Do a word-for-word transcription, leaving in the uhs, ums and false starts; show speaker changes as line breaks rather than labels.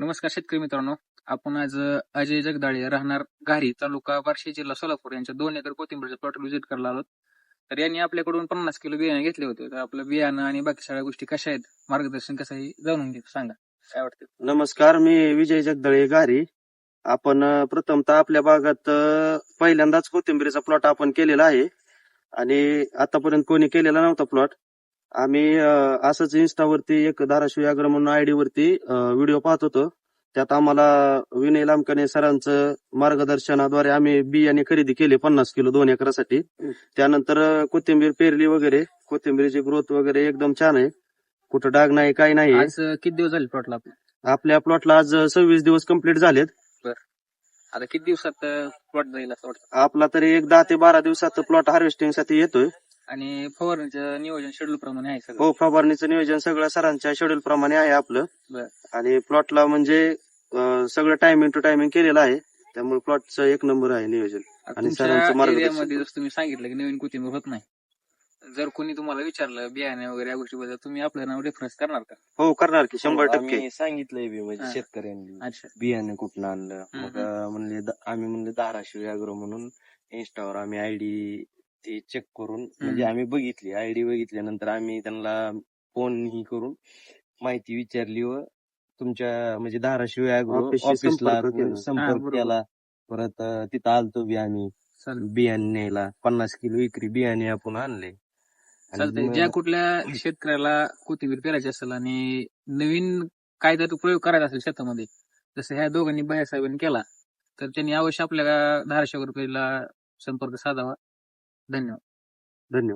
नमस्कार शेतकरी मित्रांनो. आपण आज अ, अजय जगदाळे राहणार घारी तालुका बार्शी जिल्हा सोलापूर यांच्या दोन एकर कोथिंबीरचे प्लॉट व्हिजिट करायला आलो. तर यांनी आपल्याकडून पन्नास किलो बियाणे घेतले होते. तर आपलं बियाणं आणि बाकी सगळ्या गोष्टी कशा आहेत, मार्गदर्शन कसं आहे जाणून घेऊ. सांगा काय वाटतं.
नमस्कार, मी विजय जगदाळे घारी. आपण अ, प्रथमतः आपल्या भागात अ, पहिल्यांदाच कोथिंबीरीचा प्लॉट आपण केलेला आहे आणि आतापर्यंत कोणी केलेला नव्हता प्लॉट. आम्ही अ, असंच इन्स्टावरती एक धाराशिव अॅग्रो म्हणून आयडी वरती व्हिडिओ पाहत होतो. त्यात आम्हाला विनय लामकणे सरांचं मार्गदर्शनाद्वारे आम्ही बियाणे खरेदी केले पन्नास किलो दोन एकरासाठी. त्यानंतर अ, कोथिंबीर पेरली वगैरे. कोथिंबीरीची ग्रोथ वगैरे एकदम छान आहे, कुठं डाग नाही काही नाही.
आज अ, किती दिवस झाले प्लॉटला आपल्या?
आपल्या प्लॉटला आज सव्वीस दिवस कंप्लीट झालेत.
आता किती दिवसात प्लॉट जाईल असं वाटतं?
आपला तरी एक दहा ते बारा दिवसात प्लॉट हार्वेस्टिंग साठी येतोय.
आणि फवारणीचं नियोजन शेड्यूल प्रमाणे आहे सगळं?
हो, फवारणीचं नियोजन सगळं सरांच्या शेड्यूल प्रमाणे आहे आपलं.
बरं.
आणि प्लॉटला म्हणजे अं, सगळं टायमिंग टू टायमिंग केलेलं आहे, त्यामुळे प्लॉटचं एक नंबर आहे नियोजन.
आणि
सरांचं मार्गदर्शन.
एरियामध्ये जसं तुम्ही सांगितलं की नवीन कोथिंबीर होत नाही, जर कोणी तुम्हाला विचारलं बियाणे वगैरे या गोष्टीबद्दल, तुम्ही आपलं नाव रेफरन्स करणार का?
हो, करणार की शंभर
हो,
टक्के.
आम्ही सांगितलंय बी म्हणजे
हा.
शेतकऱ्यांनी
अच्छा.
बियाणे कुठनं आणलं.
हम्म,
मग अं, म्हणले द- आम्ही म्हणले धाराशिव अॅग्रो म्हणून इन्स्टावर आम्ही आयडी ते चेक करून म्हणजे आम्ही बघितली आयडी बघितल्यानंतर आम्ही त्यांना फोन ही करून माहिती विचारली व तुमच्या म्हणजे धाराशिव अॅग्रो
ऑफिसशी
ऑफिसला
संपर्क केला.
हा,
संपर्क
बरोबर.
केला. परत अं, तिथं आलतो बी आम्ही
चालेल
बियाणे न्यायला. पन्नास किलो विक्री बियाणे आपण आणले.
चालतंय.
मग-
ज्या कुठल्या शेतकऱ्याला कोथिंबीर पेरायची असेल आणि नवीन कायदा प्रयोग करायचा असेल शेतामध्ये, जसं ह्या दोघांनी बायासाहेबांनी केला, तर त्यांनी अवश्य आपल्या धाराशिव रुपयाला संपर्क साधावा. धन्यवाद.
धन्यवाद.